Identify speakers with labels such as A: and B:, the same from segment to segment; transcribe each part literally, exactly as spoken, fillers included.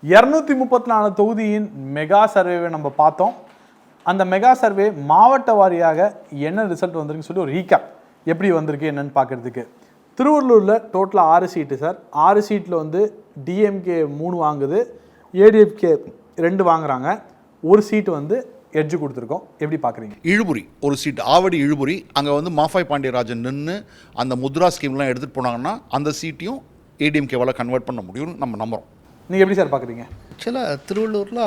A: இருநூத்தி முப்பத்தி நாலு தொகுதியின் மெகா சர்வேவை நம்ம பார்த்தோம். அந்த மெகா சர்வே மாவட்ட வாரியாக என்ன ரிசல்ட் வந்திருக்குன்னு சொல்லி ஒரு ரீகேப் எப்படி வந்திருக்கு என்னன்னு பார்க்குறதுக்கு. திருவள்ளூரில் டோட்டலாக ஆறு சீட்டு சார். ஆறு சீட்டில் வந்து டிஎம்கே மூணு வாங்குது, ஏடிஎம்கே ரெண்டு வாங்குறாங்க, ஒரு சீட்டு வந்து எட்ஜு கொடுத்துருக்கோம். எப்படி பார்க்குறீங்க?
B: இழுபுரி ஒரு சீட், ஆவடி இழுபுரி, அங்கே வந்து மாஃபாய் பாண்டியராஜன் நின்று அந்த முத்ரா ஸ்கீம்லாம் எடுத்துகிட்டு போனாங்கன்னா அந்த சீட்டையும் ஏடிஎம்கேவால் கன்வெர்ட் பண்ண முடியும்னு நம்ம நம்புகிறோம்.
A: நீங்கள் எப்படி சார் பார்க்குறீங்க?
C: ஆக்சுவலாக திருவள்ளூரில்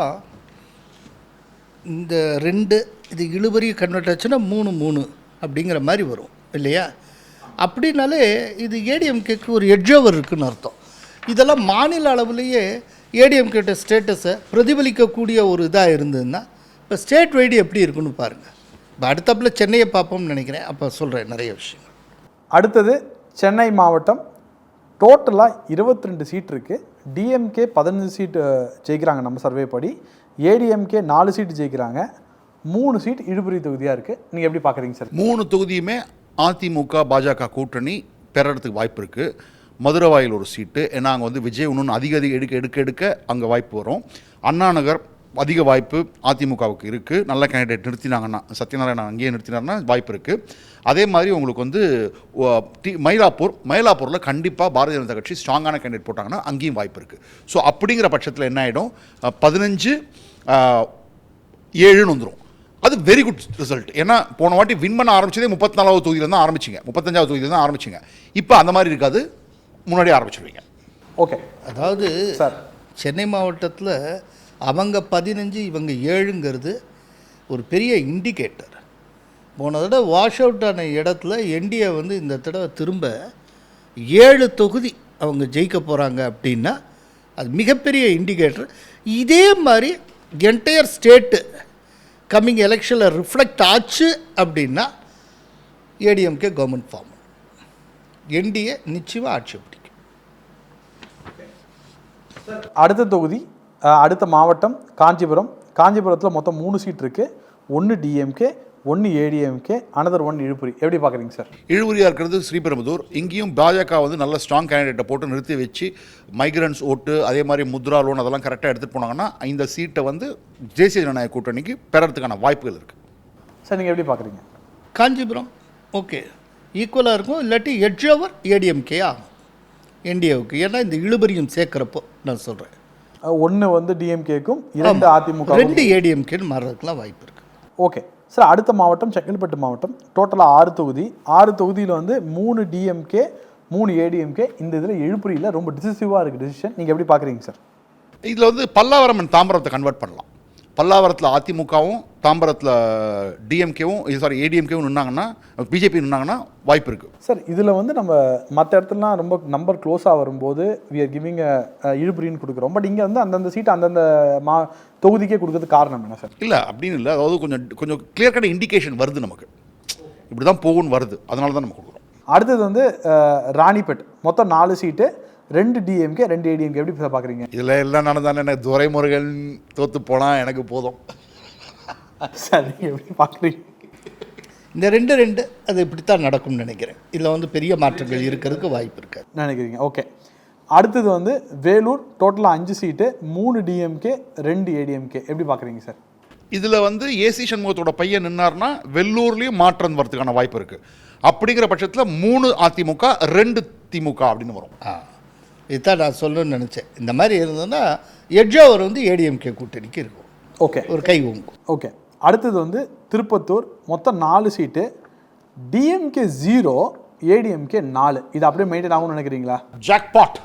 C: இந்த ரெண்டு இது இழுபறி கன்வெர்ட் ஆச்சுன்னா மூணு மூணு அப்படிங்கிற மாதிரி வரும் இல்லையா? அப்படின்னாலே இது ஏடிஎம்கேக்கு ஒரு எட்ஜ் ஓவர் இருக்குதுன்னு அர்த்தம். இதெல்லாம் மாநில அளவுலேயே ஏடிஎம்கேட்ட ஸ்டேட்டஸை பிரதிபலிக்கக்கூடிய ஒரு இதாக இருந்ததுன்னா இப்போ ஸ்டேட் வைடு எப்படி இருக்குன்னு பாருங்கள். இப்போ அடுத்தப்பில் சென்னையை பார்ப்போம்னு நினைக்கிறேன், அப்போ சொல்கிறேன் நிறைய விஷயங்கள்.
A: அடுத்தது சென்னை மாவட்டம். டோட்டலாக இருபத்தி ரெண்டு சீட் இருக்குது. டிஎம்கே பதினஞ்சு சீட்டு ஜெயிக்கிறாங்க நம்ம சர்வே படி, ஏடிஎம்கே நாலு சீட்டு ஜெயிக்கிறாங்க, மூணு சீட் இழுபறி தொகுதியாக இருக்குது. நீங்கள் எப்படி பார்க்குறீங்க சார்?
B: மூணு தொகுதியுமே அதிமுக பாஜக கூட்டணி பெறறதுக்கு வாய்ப்பு இருக்குது. மதுரை வாயில் ஒரு சீட்டு, ஏன்னா அங்கே வந்து விஜய் இன்னொன்று அதிக அதிக எடுக்க எடுக்க எடுக்க அங்கே வாய்ப்பு வரும். அண்ணா நகர் அதிக வாய்ப்பு அதிமுகவுக்கு இருக்குது. நல்ல கேண்டிடேட் நிறுத்தினாங்கன்னா, சத்யநாராயணன் அங்கேயே நிறுத்தினார்னா வாய்ப்பு இருக்குது. அதே மாதிரி உங்களுக்கு வந்து டி மயிலாப்பூர் மயிலாப்பூரில் கண்டிப்பாக பாரதிய ஜனதா கட்சி ஸ்ட்ராங்கான கேண்டிடேட் போட்டாங்கன்னா அங்கேயும் வாய்ப்பு இருக்குது. ஸோ அப்படிங்கிற பட்சத்தில் என்ன ஆகிடும், பதினஞ்சு ஏழுன்னு வந்துடும். அது வெரி குட் ரிசல்ட். ஏன்னா போன வாட்டி வின் பண்ண ஆரம்பிச்சதே முப்பத்தி நாலாவது தொகுதியில் தான் ஆரம்பிச்சிங்க, முப்பத்தஞ்சாவது தொகுதியில் தான் ஆரம்பிச்சிங்க. இப்போ அந்த மாதிரி இருக்காது, முன்னாடியே ஆரம்பிச்சிருவீங்க.
A: ஓகே,
C: அதாவது
A: சார்
C: சென்னை மாவட்டத்தில் அவங்க பதினஞ்சு இவங்க ஏழுங்கிறது ஒரு பெரிய இண்டிகேட்டர். போன தடவை வாஷ் அவுட் ஆன இடத்துல என்டிஏ வந்து இந்த தடவை திரும்ப ஏழு தொகுதி அவங்க ஜெயிக்க போகிறாங்க அப்படின்னா அது மிகப்பெரிய இண்டிகேட்டர். இதே மாதிரி என்டையர் ஸ்டேட்டு கம்மிங் எலெக்ஷனில் ரிஃப்ளெக்ட் ஆச்சு அப்படின்னா ஏடிஎம்கே கவர்மெண்ட் ஃபார்ம், என்டிஏ நிச்சயமாக ஆட்சி பிடிக்கும்.
A: அடுத்த தொகுதி, அடுத்த மாவட்டம் காஞ்சிபுரம். காஞ்சிபுரத்தில் மொத்தம் மூணு சீட் இருக்குது. ஒன்று டிஎம்கே, ஒன்று ஏடிஎம்கே, அனதர் ஒன் இழுபுரி. எப்படி பார்க்குறீங்க சார்?
B: இழுபுரியாக இருக்கிறது ஸ்ரீபெரும்புதூர். இங்கேயும் பாஜக வந்து நல்ல ஸ்ட்ராங் கேண்டிடேட்டை போட்டு நிறுத்தி வச்சு மைக்ரன்ஸ் ஓட்டு, அதே மாதிரி முத்ரா லோன் அதெல்லாம் கரெக்டாக எடுத்துகிட்டு போனாங்கன்னா இந்த சீட்டை வந்து தேசிய ஜனநாயக கூட்டணிக்கு பெறறதுக்கான வாய்ப்புகள் இருக்குது.
A: சார் நீங்கள் எப்படி பார்க்குறீங்க?
C: காஞ்சிபுரம் ஓகே ஈக்குவலாக இருக்கும், இல்லாட்டி எட்ஜ் ஓவர் ஏடிஎம்கே ஆகும் என்டிஏவுக்கு. ஏன்னா இந்த இழுபறியும் சேர்க்குறப்போ நான் சொல்கிறேன்,
A: ஒன்று வந்து டிஎம்கேக்கும் இரண்டு அதிமுக,
C: ரெண்டு ஏடிஎம்கேன்னு மாறுறதுக்குலாம் வாய்ப்பு இருக்குது.
A: ஓகே சார், அடுத்த மாவட்டம் செங்கல்பட்டு மாவட்டம். டோட்டலாக ஆறு தொகுதி. ஆறு தொகுதியில் வந்து மூணு டிஎம்கே, மூணு ஏடிஎம்கே. இந்த இதில் இழுபறியில் ரொம்ப டிசிசிவாக இருக்குது டிசிஷன். நீங்கள் எப்படி பார்க்குறீங்க சார்?
B: இதில் வந்து பல்லாவரம் அண்ட் தாம்பரத்தை கன்வெர்ட் பண்ணலாம். பல்லாவரத்தில் அதிமுகவும் தாம்பரத்தில் டிஎம்கேவும் சாரி ஏடிஎம்கேவும் நின்னாங்கன்னா, பிஜேபி நின்னாங்கன்னா வாய்ப்பு இருக்குது
A: சார். இதில் வந்து நம்ம மற்ற இடத்துலலாம் ரொம்ப நம்பர் க்ளோஸாக வரும்போது வி ஆர் கிவிங் இழுபறின்னு கொடுக்குறோம். பட் இங்கே வந்து அந்தந்த சீட்டை அந்தந்த மா தொகுதிக்கே கொடுக்கறது காரணம் என்ன சார்?
B: இல்லை அப்படின்னு இல்லை, அதாவது கொஞ்சம் கொஞ்சம் கிளியர் கட் இண்டிகேஷன் வருது நமக்கு, இப்படி தான் போகும்னு வருது, அதனால தான் நம்ம கொடுக்குறோம்.
A: அடுத்தது வந்து ராணிப்பேட். மொத்தம் நாலு சீட்டு, ரெண்டு டிஎம்கே, ரெண்டு ஏடிஎம்கே. எப்படி பார்க்குறீங்க?
B: இதில் எல்லாம் நடந்தானே எனக்கு துரைமுருகன் தோற்று போனால் எனக்கு போதும்
A: சார். நீங்கள் எப்படி பார்க்குறீங்க?
C: இந்த ரெண்டு ரெண்டு அது இப்படித்தான் நடக்கும்னு நினைக்கிறேன். இதில் வந்து பெரிய மாற்றங்கள் இருக்கிறதுக்கு வாய்ப்பு இருக்காது
A: நினைக்கிறீங்க. ஓகே, அடுத்தது வந்து வேலூர். டோட்டலாக அஞ்சு சீட்டு, மூணு டிஎம்கே, ரெண்டு ஏடிஎம்கே. எப்படி பார்க்குறீங்க சார்?
B: இதில் வந்து ஏசி சண்முகத்தோட பையன் நின்னார்னா வெள்ளூர்லேயும் மாற்றம் வரதுக்கான வாய்ப்பு இருக்குது. அப்படிங்கிற பட்சத்தில் மூணு அதிமுக, ரெண்டு திமுக அப்படின்னு வரும்.
C: ஆ, இதுதான் நான் சொல்லணும்னு நினச்சேன். இந்த மாதிரி இருந்ததுன்னா எட்ஜ் ஓவர் வந்து ஏடிஎம்கே கூட்டணிக்கு இருக்கும்.
A: ஓகே,
C: ஒரு கை ஓங்கும்.
A: ஓகே, அடுத்தது வந்து திருப்பத்தூர். மொத்தம் நாலு சீட்டு, டிஎம்கே ஜீரோ, ஏடிஎம்கே நாலு. இது அப்படியே மெயின்டைன் ஆகும்னு நினைக்கிறீங்களா?
B: ஜாக்பாட்.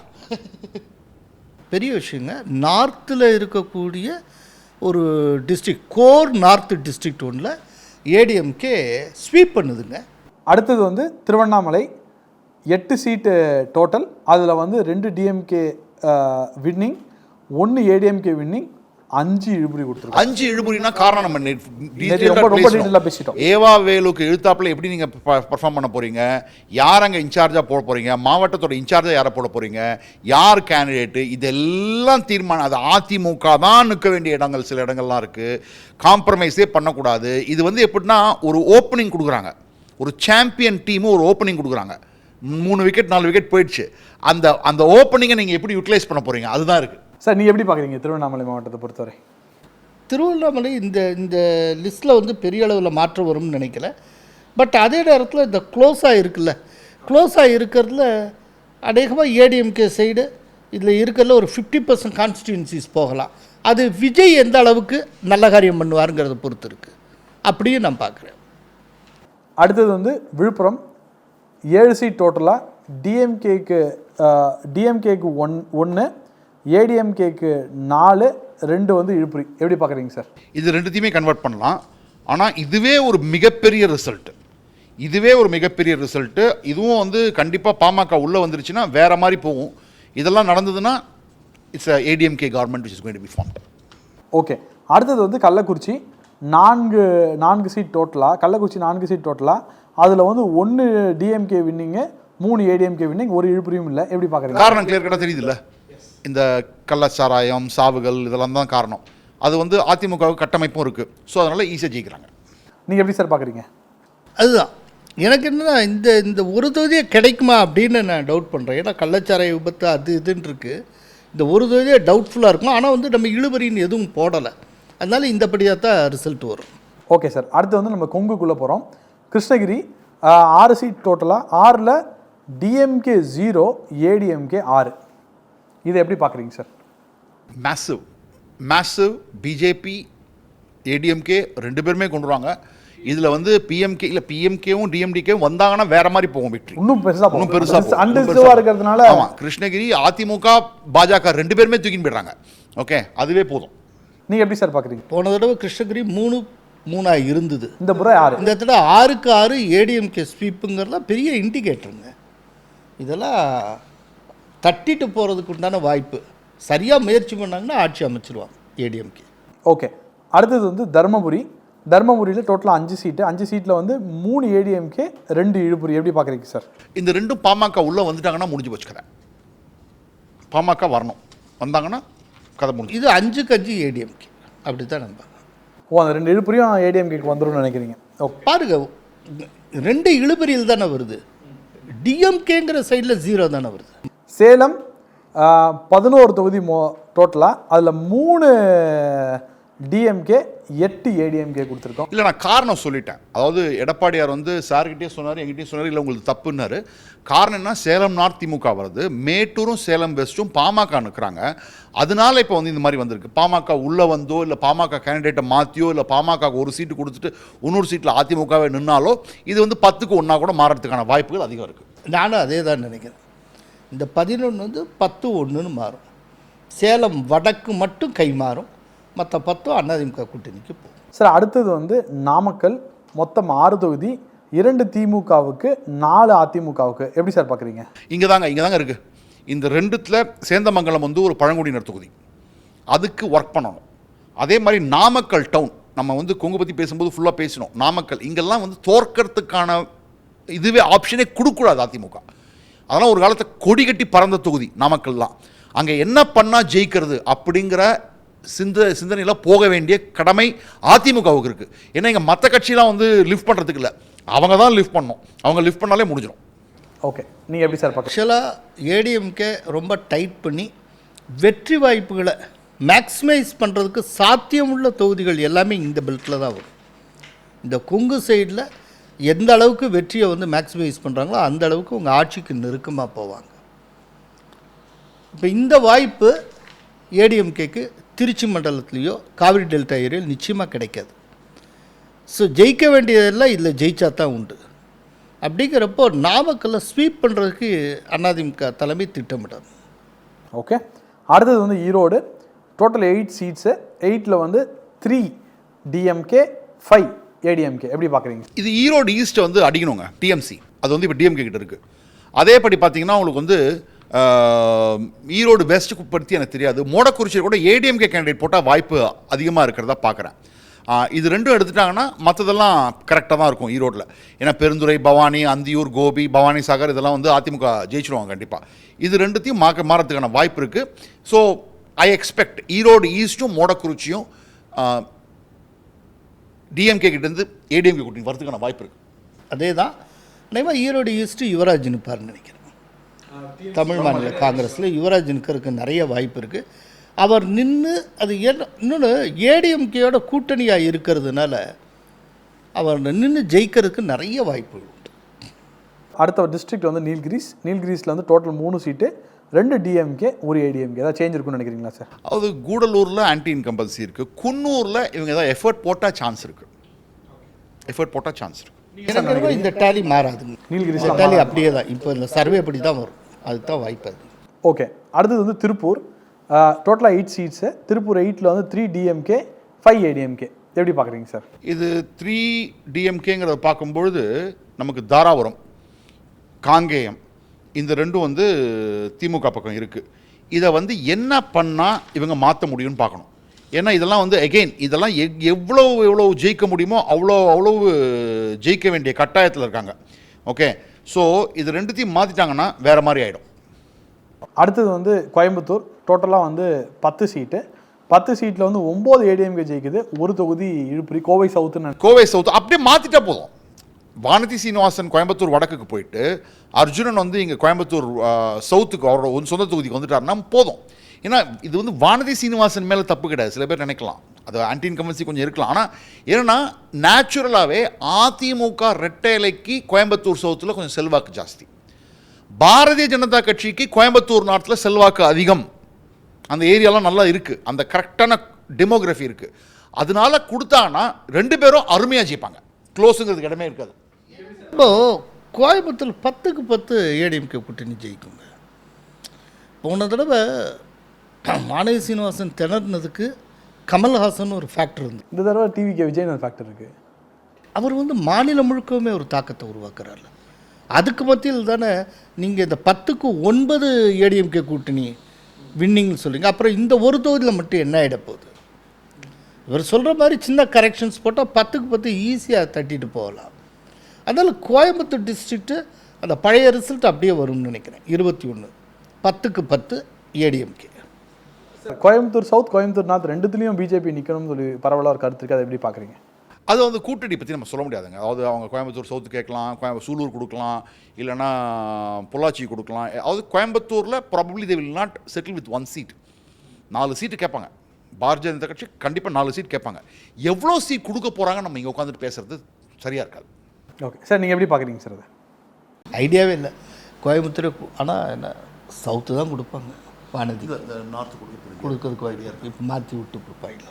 C: பெரிய விஷயங்க. நார்த்தில் இருக்கக்கூடிய ஒரு டிஸ்ட்ரிக்ட், கோர் நார்த் டிஸ்ட்ரிக்ட் ஒன்றில் ஏடிஎம்கே ஸ்வீப் பண்ணுதுங்க.
A: அடுத்தது வந்து திருவண்ணாமலை. எட்டு சீட்டு டோட்டல். அதில் வந்து ரெண்டு டிஎம்கே வின்னிங், ஒன்று ஏடிஎம்கே வின்னிங், அஞ்சு இழுபறி கொடுத்துருக்கோம்.
B: அஞ்சு இழுபறினா காரணம் நம்ம
A: ரொம்ப டீட்டெயிலாக பேசிட்டோம்.
B: ஏவா வேலுக்கு இழுத்தாப்பில் எப்படி நீங்கள் பர்ஃபார்ம் பண்ண போகிறீங்க, யார் அங்கே இன்சார்ஜாக போட போகிறீங்க, மாவட்டத்தோட இன்சார்ஜாக யாரை போட போகிறீங்க, யார் கேண்டிடேட்டு, இதெல்லாம் தீர்மானம். அது அதிமுக தான் நிற்க வேண்டிய இடங்கள் சில இடங்கள்லாம் இருக்குது, காம்ப்ரமைஸே பண்ணக்கூடாது. இது வந்து எப்படின்னா ஒரு ஓப்பனிங் கொடுக்குறாங்க, ஒரு சாம்பியன் டீமும் ஒரு ஓப்பனிங் கொடுக்குறாங்க. மூணு விக்கெட் நாலு விக்கெட் போயிடுச்சு, அந்த அந்த ஓப்பனிங்கை நீங்கள் எப்படி யூட்டிலைஸ் பண்ண போகிறீங்க, அதுதான் இருக்குது.
A: சார் நீங்கள் எப்படி பார்க்குறீங்க திருவண்ணாமலை மாவட்டத்தை பொறுத்தவரை?
C: திருவண்ணாமலை இந்த இந்த லிஸ்ட்டில் வந்து பெரிய அளவில் மாற்றம் வரும்னு நினைக்கல. பட் அதே நேரத்தில் இந்த க்ளோஸாக இருக்குல்ல, க்ளோஸாக இருக்கிறதுல அநேகமாக ஏடிஎம்கே சைடு இதில் இருக்கிறதுல ஒரு ஃபிஃப்டி பர்சன்ட் கான்ஸ்டியூன்சிஸ் போகலாம். அது விஜய் எந்த அளவுக்கு நல்ல காரியம் பண்ணுவாருங்கிறத பொறுத்து இருக்குது. அப்படியும் நான் பார்க்குறேன்.
A: அடுத்தது வந்து விழுப்புரம் ஏழு சீட் டோட்டலாக டிஎம்கேக்கு டிஎம்கேக்கு ஒன் ஒன்று ஏடிஎம்கேக்கு நாலு ரெண்டு வந்து இழுப்புரி. எப்படி பார்க்குறீங்க சார்?
B: இது ரெண்டுத்தையுமே கன்வெர்ட் பண்ணலாம். ஆனால் இதுவே ஒரு மிகப்பெரிய ரிசல்ட்டு, இதுவே ஒரு மிகப்பெரிய ரிசல்ட்டு. இதுவும் வந்து கண்டிப்பாக பாமக உள்ளே வந்துருச்சுன்னா வேறு மாதிரி போகும். இதெல்லாம் நடந்ததுன்னா it's a ADMK government which is going to be formed.
A: Okay. அடுத்தது வந்து கள்ளக்குறிச்சி நான்கு நான்கு சீட் டோட்டலாக கள்ளக்குறிச்சி நான்கு சீட் டோட்டலாக அதில் வந்து ஒன்று டிஎம்கே வின்னிங்கு, மூணு ஏடிஎம்கே வின்னிங், ஒரு இழுப்புரியும் இல்லை. எப்படி பார்க்குறீங்க?
B: காரணம் கிளியர் கட்டாக தெரியுது இல்லை, இந்த கள்ளச்சாராயம் சாவுகள் இதெல்லாம் தான் காரணம். அது வந்து அதிமுகவுக்கு கட்டமைப்பும் இருக்குது. ஸோ அதனால் ஈஸியாக ஜெயிக்கிறாங்க.
A: நீங்கள் எப்படி சார் பார்க்குறீங்க?
C: அதுதான் எனக்கு என்னன்னா இந்த இந்த ஒரு தொகுதியே கிடைக்குமா அப்படின்னு நான் டவுட் பண்ணுறேன். ஏன்னா கள்ளச்சாராய விபத்து அது இதுன்னு இருக்குது. இந்த ஒரு தொகுதியே டவுட்ஃபுல்லாக இருக்கும். ஆனால் வந்து நம்ம இழுபறின்னு எதுவும் போடலை. அதனால இந்தபடியாக தான் ரிசல்ட் வரும்.
A: Okay sir. அடுத்து வந்து நம்ம கொங்குக்குள்ளே போகிறோம். கிருஷ்ணகிரி ஆறு சீட் டோட்டலாக, ஆறில் டிஎம்கே ஜீரோ ஏடிஎம்கே ஆறு. இதை எப்படி பார்க்குறீங்க sir?
B: Massive massive BJP ADMK ரெண்டு பேருமே கொண்டு வருவாங்க. இதில் வந்து பிஎம்கே இல்லை பிஎம்கேவும் டிஎம்டிகேவும் வந்தாங்கன்னா வேற மாதிரி போகும் வெற்றி.
A: இன்னும் பெருசாக
B: இன்னும் பெருசாக
A: அன்டிஸ்டர்பாக இருக்கிறதுனால.
B: ஆமாம், கிருஷ்ணகிரி அதிமுக பாஜக ரெண்டு பேருமே தூக்கின்னு போயிடுறாங்க. ஓகே, அதுவே போதும்.
A: நீங்கள் எப்படி சார் பார்க்குறீங்க?
C: போன தடவை கிருஷ்ணகிரி மூணு மூணாக இருந்தது,
A: இந்த முறை ஆறு.
C: இந்த தடவை ஆறுக்கு ஆறு ஏடிஎம்கே ஸ்வீப்புங்கிறதுலாம் பெரிய இண்டிகேட்டருங்க. இதெல்லாம் தட்டிட்டு போகிறதுக்கு உண்டான வாய்ப்பு. சரியாக முயற்சி பண்ணாங்கன்னா ஆட்சி அமைச்சிருவாங்க ஏடிஎம்கே.
A: ஓகே. அடுத்தது வந்து தர்மபுரி. தர்மபுரியில் டோட்டலாக அஞ்சு சீட்டு அஞ்சு சீட்டில் வந்து மூணு ஏடிஎம்கே ரெண்டு இழுப்புரி. எப்படி பார்க்குறீங்க சார்?
B: இந்த ரெண்டும் பாமக உள்ளே வந்துட்டாங்கன்னா முடிஞ்சு போச்சு கதை. பாமக வரணும், வந்தாங்கன்னா கதை முடிஞ்சு.
C: இது அஞ்சுக்கு அஞ்சு ஏடிஎம்கே அப்படி தான் நம்ப.
A: ஓ, அந்த ரெண்டு இழுப்புரியும் ஏடிஎம்கேக்கு வந்துடும் நினைக்கிறீங்க? ஓகே.
C: பாருங்க, ரெண்டு இழுபறியில் தானே வருது. டிஎம்கேங்கிற சைடில் ஜீரோ தானே வருது.
A: சேலம் பதினோரு தொகுதி மோ டோட்டலாக அதில் மூணு டிஎம்கே எட்டு ஏடிஎம்கே கொடுத்துருக்கோம்.
B: இல்லை, நான் காரணம் சொல்லிட்டேன். அதாவது எடப்பாடியார் வந்து சார்கிட்டே சொன்னார், எங்கிட்டே சொன்னார், இல்லை உங்களுக்கு தப்புன்னாரு. காரணம் என்ன, சேலம் நார்த் திமுக வருது, மேட்டூரும் சேலம் வெஸ்ட்டும் பாமக நிற்கிறாங்க. அதனால இப்போ வந்து இந்த மாதிரி வந்திருக்கு. பாமக உள்ளே வந்தோ இல்லை பாமக கேண்டிடேட்டை மாற்றியோ இல்லை பாமக ஒரு சீட்டு கொடுத்துட்டு இன்னொரு சீட்டில் அதிமுகவே நின்னாலோ இது வந்து பத்துக்கு ஒன்றா கூட மாறதுக்கான வாய்ப்புகள் அதிகம் இருக்குது.
C: நானும் அதே தான் நினைக்கிறேன். இந்த பதினொன்று வந்து பத்து ஒன்றுன்னு மாறும். சேலம் வடக்கு மட்டும் கை மாறும், மற்ற பத்தும் அதிமுக கூட்டணிக்கு போகும்.
A: சார், அடுத்தது வந்து நாமக்கல். மொத்தம் ஆறு தொகுதி, இரண்டு திமுகவுக்கு நாலு அதிமுகவுக்கு. எப்படி சார் பார்க்குறீங்க?
B: இங்கே தாங்க இங்கே தாங்க இருக்குது. இந்த ரெண்டுத்தில் சேந்தமங்கலம் வந்து ஒரு பழங்குடியினர் தொகுதி, அதுக்கு ஒர்க் பண்ணணும். அதே மாதிரி நாமக்கல் டவுன், நம்ம வந்து கொங்கு பற்றி பேசும்போது ஃபுல்லாக பேசணும். நாமக்கல் இங்கெல்லாம் வந்து தோற்கறதுக்கான இதுவே ஆப்ஷனே கொடுக்கூடாது அதிமுக. அதெல்லாம் ஒரு காலத்தை கொடி கட்டி பறந்த தொகுதி நாமக்கல்லாம். அங்கே என்ன பண்ணால் ஜெயிக்கிறது அப்படிங்கிற சிந்த சிந்தனையில் போக வேண்டிய கடமை அதிமுகவுக்கு இருக்குது. ஏன்னா இங்கே மற்ற கட்சியெலாம் வந்து லிஃப்ட் பண்ணுறதுக்கு இல்லை, அவங்க தான் லிஃப்ட் பண்ணணும். அவங்க லிஃப்ட் பண்ணாலே முடிஞ்சிடும்.
A: ஓகே, நீங்கள் எப்படி சார் பார்க்க?
C: ஆக்சுவலாக ஏடிஎம்கே ரொம்ப டைட் பண்ணி வெற்றி வாய்ப்புகளை மேக்ஸிமைஸ் பண்ணுறதுக்கு சாத்தியமுள்ள தொகுதிகள் எல்லாமே இந்த பெல்ட்டில் தான் வரும். இந்த கொங்கு சைடில் எந்த அளவுக்கு வெற்றியை வந்து மேக்ஸிமைஸ் பண்ணுறாங்களோ அந்த அளவுக்கு உங்கள் ஆட்சிக்கு நெருக்கமாக போவாங்க. இப்போ இந்த வாய்ப்பு ஏடிஎம்கேக்கு திருச்சி மண்டலத்துலேயோ காவிரி டெல்டா ஏரியாவில் நிச்சயமாக கிடைக்காது. ஸோ ஜெயிக்க வேண்டியதெல்லாம் இதில் ஜெயிச்சா தான் உண்டு. அப்படிங்கிறப்போ நாமக்கல்ல ஸ்வீப் பண்ணுறதுக்கு அதிமுக தலைமை திட்டமிட்டார்.
A: ஓகே. அடுத்தது வந்து ஈரோடு. டோட்டல் எயிட் சீட்ஸு, எயிட்டில் வந்து த்ரீ டிஎம்கே, ஃபைவ் ஏடிஎம்கே. எப்படி பார்க்குறீங்க?
B: இது ஈரோடு ஈஸ்ட்டை வந்து அடிக்கணுங்க, டிஎம்சி. அது வந்து இப்போ டிஎம்கே கிட்ட இருக்குது. அதேபடி பார்த்தீங்கன்னா உங்களுக்கு வந்து ஈரோடு வெஸ்ட்டுக்கு பற்றி எனக்கு தெரியாது. மோடக்குறிச்சியில் கூட ஏடிஎம்கே கேண்டிடேட் போட்டால் வாய்ப்பு அதிகமாக இருக்கிறதா பார்க்குறேன். இது ரெண்டும் எடுத்துட்டாங்கன்னா மற்றதெல்லாம் கரெக்டாக தான் இருக்கும் ஈரோட்டில். ஏன்னா பெருந்துறை, பவானி, அந்தியூர், கோபி, பவானி சாகர் இதெல்லாம் வந்து அதிமுக ஜெயிச்சிடுவாங்க கண்டிப்பாக. இது ரெண்டுத்தையும் மாற்ற மாறத்துக்கான வாய்ப்பு இருக்குது. ஸோ ஐ எக்ஸ்பெக்ட் ஈரோடு ஈஸ்ட்டும் மோடக்குறிச்சியும் டிஎம்கே கிட்டேருந்து ஏடிஎம்கே கூட்டணி வரதுக்கான வாய்ப்பு இருக்குது.
C: அதே தான் நினைவா ஈரோடு ஈஸ்ட்டு யுவராஜ் நிற்பார்னு நினைக்கிறேன். தமிழ் மாநில காங்கிரஸில் யுவராஜ் நிற்கிறதுக்கு நிறைய வாய்ப்பு இருக்குது. அவர் நின்று அது என்ன இன்னொன்று ஏடிஎம்கேயோட கூட்டணியாக இருக்கிறதுனால அவர் நின்று ஜெயிக்கிறதுக்கு நிறைய வாய்ப்புகள் உண்டு.
A: அடுத்த டிஸ்ட்ரிக்ட் வந்து நீல்கிரிஸ். நீல்கிரிஸில் வந்து டோட்டல் மூணு சீட்டு, ரெண்டு டிஎம்கே ஒரு ஏடிஎம்கே. ஏதாவது சேஞ்ச் இருக்குன்னு நினைக்கிறீங்களா சார்?
B: அது கூடலூரில் ஆன்டி இன்கம்பல்சி இருக்குது. குன்னூரில் இவங்க ஏதாவது எஃபர்ட் போட்டால் சான்ஸ் இருக்குது. எஃபர்ட் போட்டால் சான்ஸ் இருக்குது.
C: எனக்கு இந்த டேலி மாறாதுங்க.
A: நீல்கிரிஸ்
C: டேலி அப்படியே தான் இப்போ இந்த சர்வே அப்படி தான் வரும். அதுதான் வாய்ப்பு அது.
A: ஓகே, அடுத்தது வந்து திருப்பூர். டோட்டலாக எயிட் சீட்ஸு. திருப்பூர் எயிட்டில் வந்து த்ரீ டிஎம்கே ஃபைவ் ஏடிஎம்கே. எப்படி பார்க்குறீங்க சார்?
B: இது த்ரீ டிஎம்கேங்கிறத பார்க்கும்பொழுது நமக்கு தாராபுரம், காங்கேயம் இந்த ரெண்டும் வந்து திமுக பக்கம் இருக்குது. இதை வந்து என்ன பண்ணால் இவங்க மாற்ற முடியும்னு பார்க்கணும். ஏன்னா இதெல்லாம் வந்து எகெயின் இதெல்லாம் எ எவ்வளோ எவ்வளோ ஜெயிக்க முடியுமோ அவ்வளோ அவ்வளவு ஜெயிக்க வேண்டிய கட்டாயத்தில் இருக்காங்க. ஓகே, ஸோ இது ரெண்டுத்தையும் மாற்றிட்டாங்கன்னா வேறு மாதிரி ஆகிடும்.
A: அடுத்தது வந்து கோயம்புத்தூர். டோட்டலாக வந்து பத்து சீட்டு. பத்து சீட்டில் வந்து ஒம்பது ஏடிஎம்கே ஜெயிக்குது, ஒரு தொகுதி இழுப்புரி. கோவை சவுத்துன்னு
B: கோவை சவுத் அப்படியே மாற்றிட்டா போதும். வானதி சீனிவாசன் கோயம்புத்தூர் வடக்குக்கு போயிட்டு அர்ஜுனன் வந்து இங்கே கோயம்புத்தூர் சவுத்துக்கு அவரோட சொந்த தொகுதிக்கு வந்துட்டாருன்னா போதும். ஏன்னா இது வந்து வானதி சீனிவாசன் மேலே தப்பு கிடையாது. சில பேர் நினைக்கலாம் அது ஆன்டி இன்கம்பன்சி கொஞ்சம் இருக்கலாம். ஆனால் ஏன்னா நேச்சுரலாகவே அதிமுக ரெட்டைலைக்கு கோயம்புத்தூர் சவுத்தில் கொஞ்சம் செல்வாக்கு ஜாஸ்தி. பாரதிய ஜனதா கட்சிக்கு கோயம்புத்தூர் நார்த்தில் செல்வாக்கு அதிகம். அந்த ஏரியாலாம் நல்லா இருக்குது, அந்த கரெக்டான டெமோகிராஃபி இருக்குது. அதனால கொடுத்தாங்கன்னா ரெண்டு பேரும் அருமையாக ஜெயிப்பாங்க. க்ளோஸுங்கிறதுக்கு இடமே இருக்காது.
C: இப்போது கோயம்புத்தூர் பத்துக்கு பத்து ஏடிஎம்கே கூட்டணி ஜெயிக்குங்க. போன தடவை வானதி சீனிவாசன் திணறினதுக்கு கமல்ஹாசன் ஒரு ஃபேக்டர் இருந்து.
A: இந்த தடவை டிவிகே விஜய் ஃபேக்டர் இருக்குது.
C: அவர் வந்து மாநிலம் முழுக்கவுமே ஒரு தாக்கத்தை உருவாக்குறாரு. அதுக்கு மத்தியில் தானே நீங்கள் இந்த பத்துக்கு ஒன்பது ஏடிஎம்கே கூட்டணி வின்னிங்னு சொல்லுங்க. அப்புறம் இந்த ஒரு தொகுதியில் மட்டும் என்ன ஆகிட போகுது? இவர் சொல்கிற மாதிரி சின்ன கரெக்ஷன்ஸ் போட்டால் பத்துக்கு பத்து ஈஸியாக தட்டிட்டு போகலாம். அதனால் கோயம்புத்தூர் டிஸ்ட்ரிக்ட்டு அந்த பழைய ரிசல்ட் அப்படியே வரும்னு நினைக்கிறேன். இருபத்தி ஒன்று பத்துக்கு பத்து ஏடிஎம்கே.
A: கோயம்புத்தூர் சவுத், கோயம்புத்தூர் நார்த் ரெண்டுத்துலேயும் பிஜேபி நிற்கணும்னு சொல்லி பரவலாக ஒரு கருத்து இருக்குது. அதை எப்படி பார்க்குறீங்க?
B: அது வந்து கூட்டணி பற்றி நம்ம சொல்ல முடியாதுங்க. அதாவது அவங்க கோயம்புத்தூர் சவுத்து கேட்கலாம், கோயம்பு சூலூர் கொடுக்கலாம், இல்லைனா பொள்ளாச்சி கொடுக்கலாம். அதாவது கோயம்புத்தூரில் probably they will not settle with one seat. நாலு சீட்டு கேட்பாங்க. பாரதிய ஜனதா கட்சி கண்டிப்பாக நாலு சீட் கேட்பாங்க. எவ்வளோ சீட் கொடுக்க போகிறாங்க நம்ம இங்கே உட்காந்துட்டு பேசுகிறது சரியாக இருக்காது.
A: ஓகே சார், நீங்கள் எப்படி பார்க்குறீங்க சார்? அது
C: ஐடியாவே இல்லை கோயம்புத்தூர். ஆனால் என்ன சவுத்து தான் கொடுப்பாங்க. வானதி
B: நார்த்து கொடுக்க
C: கொடுக்கறதுக்கு ஐடியா இருக்குது. இப்போ மாற்றி விட்டு கொடுப்பாங்க.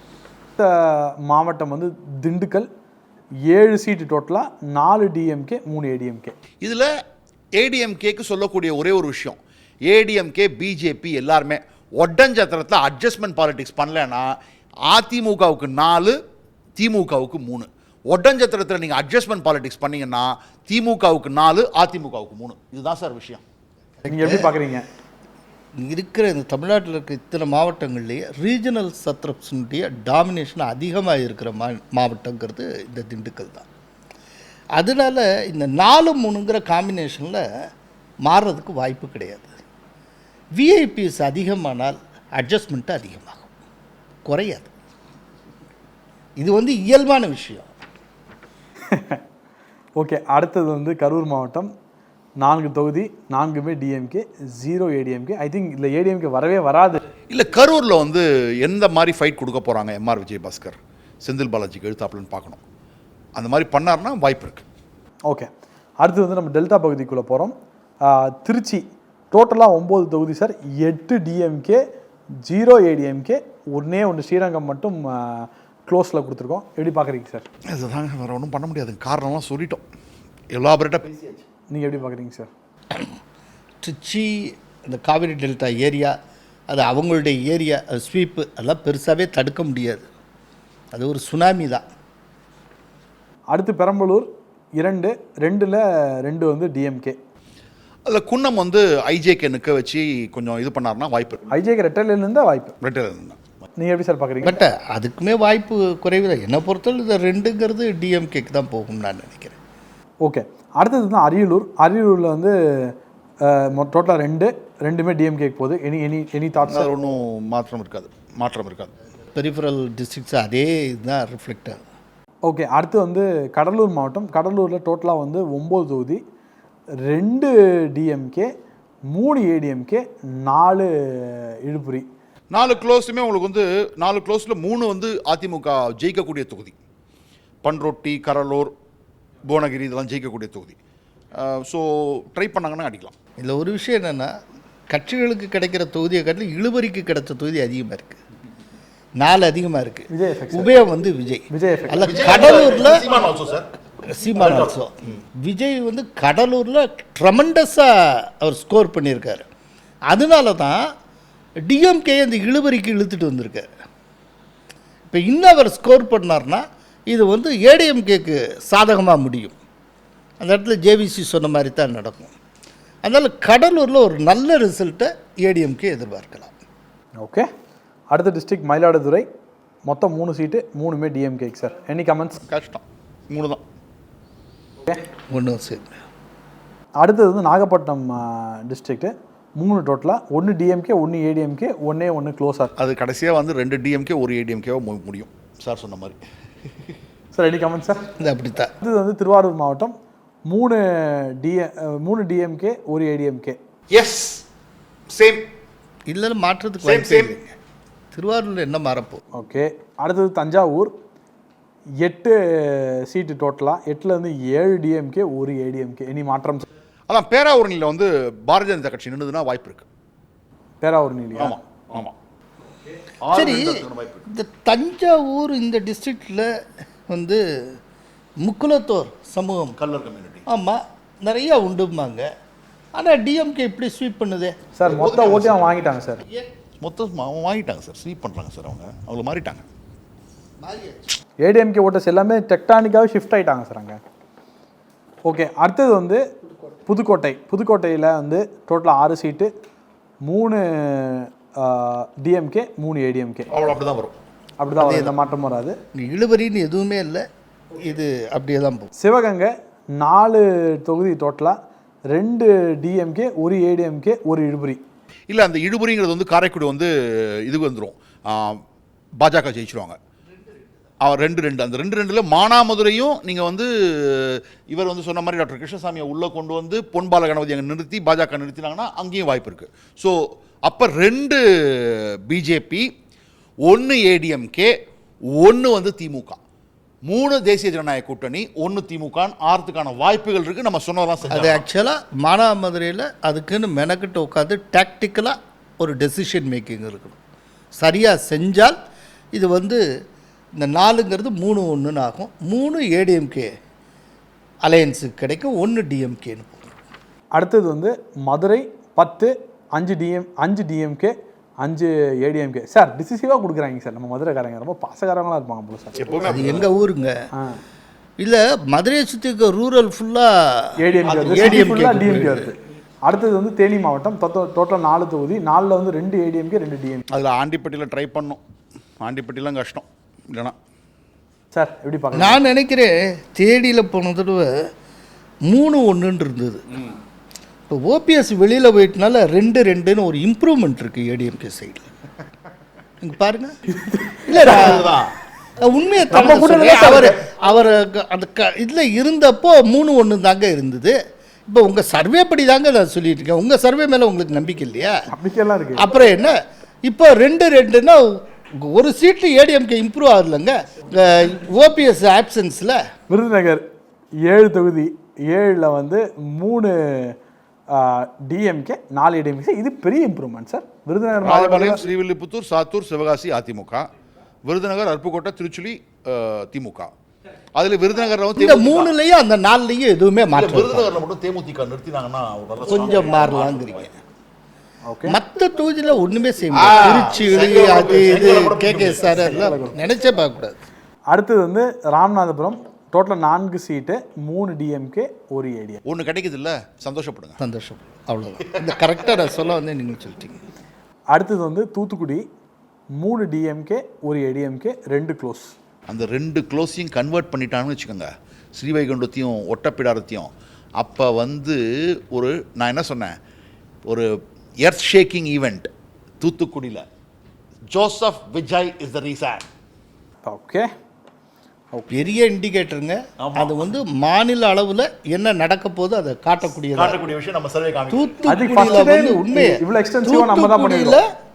A: மாவட்டம் வந்து திண்டுக்கல். ஏழு சீட்டு டோட்டலாக, நாலு டிஎம்கே மூணு ஏடிஎம்கே.
B: இதில் ஏடிஎம்கேக்கு சொல்லக்கூடிய ஒரே ஒரு விஷயம், ஏடிஎம்கே பிஜேபி எல்லாருமே ஒட்டஞ்சத்திரத்தில் அட்ஜஸ்ட்மெண்ட் பாலிடிக்ஸ் பண்ணலன்னா அதிமுகவுக்கு நாலு, திமுகவுக்கு மூணு. ஒட்டஞ்சத்திரத்தில் நீங்கள் அட்ஜஸ்ட்மெண்ட் பாலிடிக்ஸ் பண்ணீங்கன்னா திமுகவுக்கு நாலு, அதிமுகவுக்கு மூணு. இதுதான் சார் விஷயம்.
A: நீங்கள் எப்படி பார்க்குறீங்க?
C: இருக்கிற இந்த தமிழ்நாட்டில் இருக்க இத்தனை மாவட்டங்கள்லேயே ரீஜனல் சத்ரப்ஸுடைய டாமினேஷன் அதிகமாக இருக்கிற மா மாவட்டங்கிறது இந்த திண்டுக்கல் தான். அதனால் இந்த நாலு மூணுங்கிற காம்பினேஷனில் மாறுறதுக்கு வாய்ப்பு கிடையாது. விஐபிஎஸ் அதிகமானால் அட்ஜஸ்ட்மெண்ட்டு அதிகமாகும், குறையாது. இது வந்து இயல்பான விஷயம்.
A: ஓகே, அடுத்தது வந்து கரூர் மாவட்டம். நான்கு தொகுதி, நான்குமே DMK, zero ADMK. I think இல்லை ஏடிஎம்கே வரவே வராது.
B: இல்லை கரூரில் வந்து எந்த மாதிரி ஃபைட் கொடுக்க போகிறாங்க எம்ஆர் விஜயபாஸ்கர் செந்தில் பாலாஜிக்கு எழுத்தாப்புலன்னு பார்க்கணும். அந்த மாதிரி பண்ணார்னா வாய்ப்பு இருக்குது.
A: ஓகே, அடுத்து வந்து நம்ம டெல்டா பகுதிக்குள்ளே போகிறோம். திருச்சி டோட்டலாக ஒம்பது தொகுதி சார். எட்டு டிஎம்கே, ஜீரோ ஏடிஎம்கே, ஒன்றே ஒன்று ஸ்ரீரங்கம் மட்டும் க்ளோஸில் கொடுத்துருக்கோம். எப்படி பார்க்குறீங்க சார்?
B: இதுதாங்க, வேறு ஒன்றும் பண்ண முடியாது. காரணம்லாம் சொல்லிட்டோம், எலாபரேட்டாக பேசியாச்சு.
A: நீங்கள் எப்படி பார்க்குறீங்க சார்?
C: திருச்சி இந்த காவிரி டெல்டா ஏரியா, அது அவங்களுடைய ஏரியா, அது ஸ்வீப்பு, அதெல்லாம் பெருசாகவே தடுக்க முடியாது. அது ஒரு சுனாமி தான்.
A: அடுத்து பெரம்பலூர் இரண்டு, ரெண்டில் ரெண்டு வந்து டிஎம்கே.
B: அதில் குன்னம் வந்து ஐஜேகே நிற்க வச்சு கொஞ்சம் இது பண்ணார்னா வாய்ப்பு இருக்குது.
A: ஐஜேகே ரெட்டலேருந்து வாய்ப்பு.
B: ரெட்டலேருந்து தான்.
A: நீங்கள் எப்படி சார் பார்க்குறீங்க?
C: பட் அதுக்குமே வாய்ப்பு குறைவு தான். என்னை பொறுத்தவரை இந்த ரெண்டுங்கிறது டிஎம்கேக்கு தான் போகும்னு நான் நினைக்கிறேன்.
A: ஓகே, அடுத்தது தான் அரியலூர். அரியலூரில் வந்து டோட்டலாக ரெண்டு, ரெண்டுமே டிஎம்கேக்கு போகுது. Any any any thoughts?
B: ஒன்றும் மாற்றம் இருக்காது, மாற்றம் இருக்காது.
C: பெரிஃபரல் டிஸ்ட்ரிக்ட்ஸ் அதே இதுதான் ரிஃப்ளெக்ட் ஆகுது.
A: ஓகே, அடுத்து வந்து கடலூர் மாவட்டம். கடலூரில் டோட்டலாக வந்து ஒம்பது தொகுதி, ரெண்டு டிஎம்கே, மூணு ஏடிஎம்கே, நாலு இழுப்புரி.
B: நாலு க்ளோஸுமே உங்களுக்கு வந்து நாலு க்ளோஸில் மூணு வந்து அதிமுக ஜெயிக்கக்கூடிய தொகுதி. பண்ரொட்டி, கடலூர், புவனகிரி இதெல்லாம் ஜெயிக்கக்கூடிய தொகுதி. ஸோ ட்ரை பண்ணாங்கன்னா அடிக்கலாம்.
C: இதில் ஒரு விஷயம் என்னென்னா, கட்சிகளுக்கு கிடைக்கிற தொகுதியை காட்டிலும் இழுபறிக்கு கிடைச்ச தொகுதி அதிகமாக இருக்குது. நாலு அதிகமாக இருக்குது.
A: Vijay effect, sir.
C: உபயம் வந்து விஜய்
A: விஜய் effect.
C: அல்ல கடலூரில்
B: Seeman also sir.
C: Seeman also. Vijay வந்து கடலூரில் ட்ரமெண்டஸாக அவர் ஸ்கோர் பண்ணியிருக்காரு. அதனால தான் டிஎம்கே அந்த இழுபறிக்கு இழுத்துட்டு வந்திருக்காரு. இப்போ இன்னும் அவர் ஸ்கோர் பண்ணார்னா இது வந்து ஏடிஎம்கேக்கு சாதகமாக முடியும். அந்த இடத்துல ஜேவிசி சொன்ன மாதிரி தான் நடக்கும். அதனால் கடலூரில் ஒரு நல்ல ரிசல்ட்டை ஏடிஎம்கே எதிர்பார்க்கலாம்.
A: ஓகே, அடுத்த டிஸ்ட்ரிக்ட் மயிலாடுதுறை. மொத்தம் மூணு சீட்டு, மூணுமே டிஎம்கேக்கு சார். Any comments?
B: கஷ்டம், மூணு தான்.
A: ஓகே,
C: ஒன்றும் சரி.
A: அடுத்தது வந்து நாகப்பட்டினம் டிஸ்ட்ரிக்ட்டு. மூணு டோட்டலாக, ஒன்று டிஎம்கே, ஒன்று ஏடிஎம்கே, ஒன்றே ஒன்று க்ளோஸாக.
B: அது கடைசியாக வந்து ரெண்டு டிஎம்கே ஒரு ஏடிஎம்கேவோ முடியும் சார் சொன்ன மாதிரி.
A: Sir any comments sir?
C: இது அப்படித்தான்.
A: இது வந்து திருவாரூர் மாவட்டம். மூணு டிஎ மூணு டிஎம்கே, ஒரு ஏடிஎம்கே.
B: S, same.
C: இல்லை மாற்றத்துக்கு
B: Same,
C: வாய்ப்பே
B: same.
C: இல்லைங்க. திருவாரூரில் என்ன மாறப்போ?
A: ஓகே, அடுத்தது தஞ்சாவூர். எட்டு சீட்டு டோட்டலாக, எட்டில் வந்து ஏழு டிஎம்கே, ஒரு ஏடிஎம்கே. எனி மாற்றம்?
B: அதான் பேராவூரணியில் வந்து பாரதிய ஜனதா கட்சி நின்றுதுன்னா வாய்ப்பு இருக்கு.
A: பேராவூரணி இல்லையா?
B: ஆமாம் ஆமாம்.
C: சரி, இந்த தஞ்சாவூர் இந்த டிஸ்ட்ரிக்டில் வந்து முக்குலத்தோர் சமூகம்
B: கல்லர் கம்யூனிட்டி.
C: ஆமாம் நிறையா உண்டுமாங்க. ஆனால் டிஎம்கே இப்படி ஸ்வீப் பண்ணுதே
A: சார். மொத்த ஓட்டையும் வாங்கிட்டாங்க சார்.
B: மொத்தம் அவங்க வாங்கிட்டாங்க சார், ஸ்வீப் பண்ணுறாங்க சார். அவங்க அவங்க மாறிட்டாங்க.
A: ஏடிஎம்கே ஓட்டர்ஸ் எல்லாமே டெக்டானிக்காகவே ஷிஃப்ட் ஆகிட்டாங்க சார் அங்கே. ஓகே, அடுத்தது வந்து புதுக்கோட்டை. புதுக்கோட்டையில் வந்து டோட்டலாக ஆறு சீட்டு, மூணு டிஎம்கே, மூணு ஏடிஎம்கே.
B: அவ்வளோ அப்படி தான் வரும்.
A: அப்படி தான் வரும், எந்த மாற்றம் வராது.
C: இழுபறின்னு எதுவுமே இல்லை, இது அப்படியே தான் போகும்.
A: சிவகங்கை நாலு தொகுதி டோட்டலாக, ரெண்டு டிஎம்கே, ஒரு ஏடிஎம்கே, ஒரு இழுபறி.
B: இல்லை, அந்த இழுபறிங்கிறது வந்து காரைக்குடி வந்து இதுக்கு வந்துடும், பாஜக ஜெயிச்சிருவாங்க. அவர் ரெண்டு ரெண்டு அந்த ரெண்டு ரெண்டில் மானாமதுரையும் நீங்கள் வந்து இவர் வந்து சொன்ன மாதிரி டாக்டர் கிருஷ்ணசாமியை உள்ளே கொண்டு வந்து பொன்பால கணபதி அங்கே நிறுத்தி பாஜக நிறுத்தினாங்கன்னா அங்கேயும் வாய்ப்பு இருக்குது. ஸோ அப்போ ரெண்டு பிஜேபி, ஒன்று ஏடிஎம்கே, ஒன்று வந்து திமுக, மூணு தேசிய ஜனநாயக கூட்டணி, ஒன்று திமுக ஆறதுக்கான வாய்ப்புகள் இருக்குது. நம்ம சொன்னதெல்லாம்
C: அது ஆக்சுவலாக மானாமதுரையில் அதுக்குன்னு மெனக்கிட்டு உட்காந்து டாக்டிக்கலாக ஒரு டெசிஷன் மேக்கிங் இருக்கணும். சரியாக செஞ்சால் இது வந்து இந்த நாலுங்கிறது மூணு ஒன்றுன்னு ஆகும். மூணு ஏடிஎம்கே அலையன்ஸுக்கு கிடைக்கும், ஒன்று டிஎம்கேன்னு போகும்.
A: அடுத்தது வந்து மதுரை பத்து, அஞ்சு டிஎம் அஞ்சு டிஎம்கே, அஞ்சு ஏடிஎம்கே. சார் டிசிசிவாக கொடுக்குறாங்க சார் நம்ம மதுரைக்காரங்க. ரொம்ப பாசகாரங்களாக இருப்பாங்க போல சார்.
B: எப்போவுமே
C: அது எங்கள் ஊருங்க. இல்லை, மதுரையை சுற்றி இருக்க ரூரல் ஃபுல்லாக
A: ஏடிஎம்கே, ஏடிஎம்கே டிஎம்கே வருது. அடுத்தது வந்து தேனி மாவட்டம். டோட்டல் நாலு தொகுதி, நாலில் வந்து ரெண்டு ஏடிஎம்கே, ரெண்டு டிஎம்கே.
B: அதில் ஆண்டிப்பட்டியில் ட்ரை பண்ணோம். ஆண்டிப்பட்டிலாம் கஷ்டம் இல்லைனா
A: சார் எப்படி பார்க்க?
C: நான் நினைக்கிறேன் தேடியில் போன தடவை மூணு ஒன்றுன்னு இருந்தது. இப்போ ஓபிஎஸ் வெளியில் போயிட்டனால ரெண்டு ரெண்டுன்னு ஒரு இம்ப்ரூவ்மெண்ட் இருக்குது ஏடிஎம்கே சைடில். இங்கே பாருங்க. இல்லை உண்மையை
A: நம்ம கூட
C: அவர் அவர் அந்த க இதில் இருந்தப்போ மூணு ஒன்று தாங்க இருந்தது. இப்போ உங்கள் சர்வே படி தாங்க நான் சொல்லிட்டு இருக்கேன். உங்கள் சர்வே மேலே உங்களுக்கு நம்பிக்கை இல்லையா?
A: நம்பிக்கையெல்லாம் இருக்கு.
C: அப்புறம் என்ன, இப்போ ரெண்டு ரெண்டுன்னா ஒரு சீட்டு ஏடிஎம்கே இம்ப்ரூவ் ஆகலைங்க ஓபிஎஸ் ஆப்சன்ஸில்.
A: விருதுநகர் ஏழு தொகுதி, ஏழில் வந்து மூணு டிஎம்கே, நாலு ஏடிஎம்கே. இது பெரிய இம்ப்ரூவ்மெண்ட் சார். விருதுநகர்
B: ராஜபாளையம், ஸ்ரீவில்லிபுத்தூர், சாத்தூர், சிவகாசி அதிமுக, விருதுநகர், அருப்புக்கோட்டை, திருச்சுழி திமுக. அதில் விருதுநகரில் வந்து
C: இந்த மூணுலையும் அந்த நாலுலையும் எதுவுமே மாற்றம்.
B: விருதுநகரில் மட்டும் தேமுதிக நிறுத்தினாங்கன்னா
C: கொஞ்சம் மாறலாங்கிறீங்க.
A: ஓகே,
C: மற்ற தொகுதியில் ஒன்றுமே செய்ய முடியாது. திருச்சி அது இது கே கே சார் எல்லாம் நினைச்சே பார்க்கக்கூடாது.
A: அடுத்தது வந்து ராமநாதபுரம். டோட்டலாக நான்கு சீட்டு, மூணு டிஎம்கே, ஒரு ஏடிஎம்.
B: ஒன்று கிடைக்குது இல்லை, சந்தோஷப்படுங்க.
C: சந்தோஷம், அவ்வளோதான். இந்த கரெக்டாக நான் சொல்ல வந்து நீங்கள் சொல்லிட்டீங்க.
A: அடுத்தது வந்து தூத்துக்குடி. மூணு டிஎம்கே, ஒரு ஏடிஎம்கே, ரெண்டு க்ளோஸ்.
B: அந்த ரெண்டு க்ளோஸையும் கன்வெர்ட் பண்ணிட்டாங்கன்னு வச்சுக்கோங்க, ஸ்ரீவைகுண்டத்தையும் ஒட்டப்பிடாரத்தையும். அப்போ வந்து ஒரு நான் என்ன சொன்னேன், ஒரு எர்த் ஷேக்கிங் ஈவெண்ட் தூத்துக்குடியில். Joseph Vijay is the reason.
A: Okay,
C: பெரிய இண்டிகேட்டருங்க. அது வந்து மாநில அளவில் என்ன நடக்க போது அதை காட்டக்கூடிய
B: காட்டக்கூடிய விஷயம் நம்ம சர்வே காமிக்கும்.
C: தூத்துக்குடியில் வந்து உண்மையை
A: இவ்வளோ எக்ஸ்டென்சிவாக நம்ம தான் பண்ணிருக்கோம்.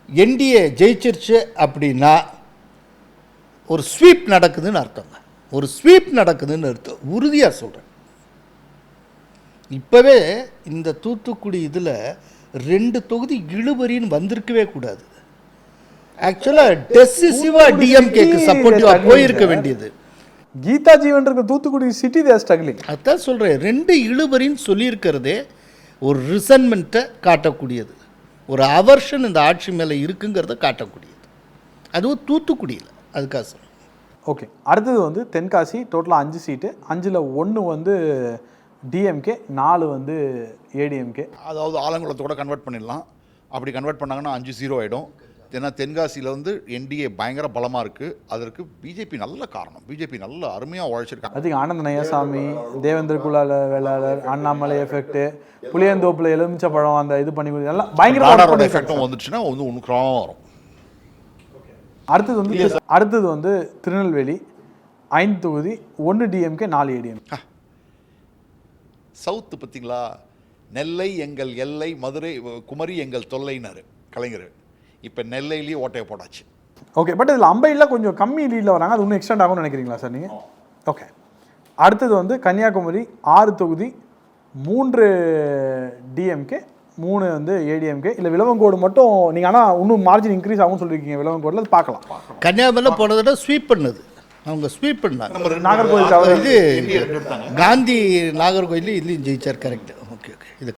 C: என்டிஏ ஜெயிச்சிருச்சு அப்படின்னா ஒரு ஸ்வீப் நடக்குதுன்னு அர்த்தங்க. ஒரு ஸ்வீப் நடக்குதுன்னு அர்த்தம், உறுதியாக சொல்கிறேன். இப்போவே இந்த தூத்துக்குடி இதில் ரெண்டு தொகுதி இழுபறின்னு வந்திருக்கவே கூடாது. ஆக்சுவலாக டெசிசிவாக டிஎம்கேக்கு சப்போர்ட்டிவாக போயிருக்க வேண்டியது.
A: கீதா ஜீவன் இருக்க தூத்துக்குடி சிட்டி தேர் ஸ்ட்ரகிளிங்.
C: அதான் சொல்கிறேன், ரெண்டு இழுபறின்னு சொல்லியிருக்கிறதே ஒரு ரிசன்மெண்ட்டை காட்டக்கூடியது, ஒரு அவர்ஷன் இந்த ஆட்சி மேலே இருக்குங்கிறத காட்டக்கூடியது. அதுவும் தூத்துக்குடியில். அதுக்காக சொல்கிறேன்.
A: ஓகே, அடுத்தது வந்து தென்காசி. டோட்டலாக அஞ்சு சீட்டு, அஞ்சில் ஒன்று வந்து டிஎம்கே, நாலு வந்து ஏடிஎம்கே.
B: அதாவது ஆலங்குளத்தோட கன்வெர்ட் பண்ணிடலாம். அப்படி கன்வெர்ட் பண்ணாங்கன்னா அஞ்சு ஜீரோ ஆகிடும். ஏன்னா தென்காசியில் வந்து என்டிஏ பயங்கர பலமாக இருக்குது. அதற்கு பிஜேபி நல்ல காரணம். பிஜேபி நல்ல அருமையாக உழைச்சிருக்காங்க.
A: அதுக்கு ஆனந்த நயசாமி, தேவேந்திர குலால வேளாளர், அண்ணாமலை எஃபெக்ட், புளியந்தோப்பில் எலுமிச்சை பழம் அந்த இது பண்ணி எல்லாம் பயங்கர
B: எஃபெக்டும் வந்துச்சுன்னா வந்து ஒன்றுக்குறாம வரும்.
A: அடுத்தது வந்து அடுத்தது வந்து திருநெல்வேலி ஐந்து தொகுதி, ஒன்று டிஎம்கே, நாலு ஏடிஎம்.
B: சவுத்து பார்த்தீங்களா, நெல்லை எங்கள் எல்லை, மதுரை குமரி எங்கள் தொல்லைனாரு கலைஞர். இப்போ நெல்லையிலேயே ஓட்டையை போட்டாச்சு.
A: ஓகே, பட் இதில் அம்பையில் கொஞ்சம் கம்மி லீடில் வராங்க. அது இன்னும் எக்ஸ்டெண்ட் ஆகும்னு நினைக்கிறீங்களா சார் நீங்கள்? ஓகே, அடுத்தது வந்து கன்னியாகுமரி ஆறு தொகுதி, மூன்று டிஎம்கே, மூணு வந்து ஏடிஎம்கே. இல்லை விளவங்கோடு மட்டும் நீங்கள் ஆனால் இன்னும் மார்ஜின் இன்க்ரீஸ் ஆகும்னு சொல்லியிருக்கீங்க. விளவங்கோடில் அது பார்க்கலாம்.
C: கன்னியாகுமரியில் போனதை விட ஸ்வீப் பண்ணது அவங்க ஸ்வீப் பண்ணாங்க.
A: நாகர்கோவில்
C: இது காந்தி நாகர்கோவில் இதுலேயும் ஜெயிச்சார். கரெக்ட். ஓகே ஓகே இது